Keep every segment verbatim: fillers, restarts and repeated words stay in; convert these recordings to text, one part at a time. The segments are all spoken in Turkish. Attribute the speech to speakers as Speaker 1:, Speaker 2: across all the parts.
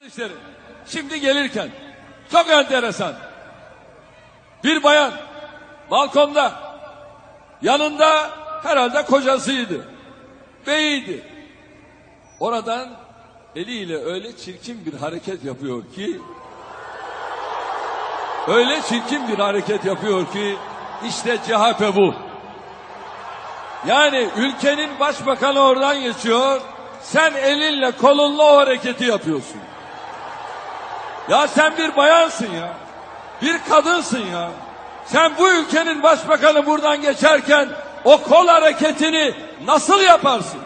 Speaker 1: işleri. Şimdi gelirken çok enteresan. Bir bayan balkonda, yanında herhalde kocasıydı, beyiydi. Oradan eliyle öyle çirkin bir hareket yapıyor ki, öyle çirkin bir hareket yapıyor ki, işte C H P bu. Yani ülkenin başbakanı oradan geçiyor, sen elinle kolunla o hareketi yapıyorsun. Ya sen bir bayansın ya, bir kadınsın ya. Sen bu ülkenin başbakanı buradan geçerken o kol hareketini nasıl yaparsın?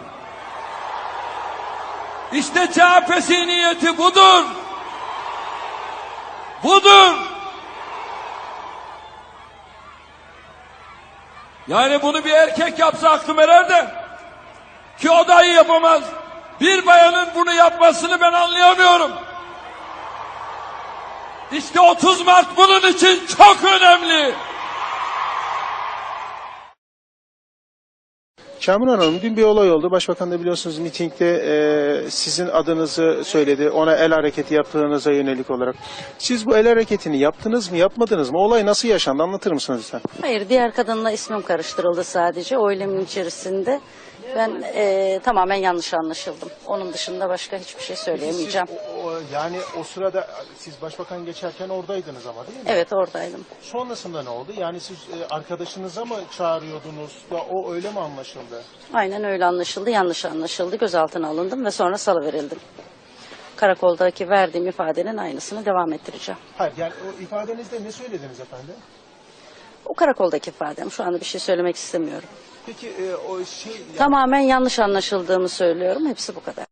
Speaker 1: İşte C H P zihniyeti budur. Budur. Yani bunu bir erkek yapsa aklım erer de, ki o dahi yapamaz. Bir bayanın bunu yapmasını ben anlayamıyorum. İşte otuz Mart bunun için çok önemli.
Speaker 2: Kamuran Hanım, dün bir olay oldu. Başbakan da biliyorsunuz mitingde e, sizin adınızı söyledi. Ona el hareketi yaptığınıza yönelik olarak. Siz bu el hareketini yaptınız mı, yapmadınız mı? Olay nasıl yaşandı? Anlatır mısınız lütfen?
Speaker 3: Hayır, diğer kadınla ismim karıştırıldı sadece o eylemin içerisinde. Ben e, tamamen yanlış anlaşıldım. Onun dışında başka hiçbir şey söyleyemeyeceğim.
Speaker 2: Siz, o, o, yani o sırada siz başbakan geçerken oradaydınız ama değil mi?
Speaker 3: Evet, oradaydım.
Speaker 2: Sonrasında ne oldu? Yani siz e, arkadaşınıza mı çağırıyordunuz da o öyle mi anlaşıldı?
Speaker 3: Aynen öyle anlaşıldı, yanlış anlaşıldı. Gözaltına alındım ve sonra salıverildim. Karakoldaki verdiğim ifadenin aynısını devam ettireceğim.
Speaker 2: Hayır, yani o ifadenizde ne söylediniz efendim?
Speaker 3: O karakoldaki ifadem. Şu anda bir şey söylemek istemiyorum.
Speaker 2: Peki e, o şey... Yani...
Speaker 3: Tamamen yanlış anlaşıldığımı söylüyorum. Hepsi bu kadar.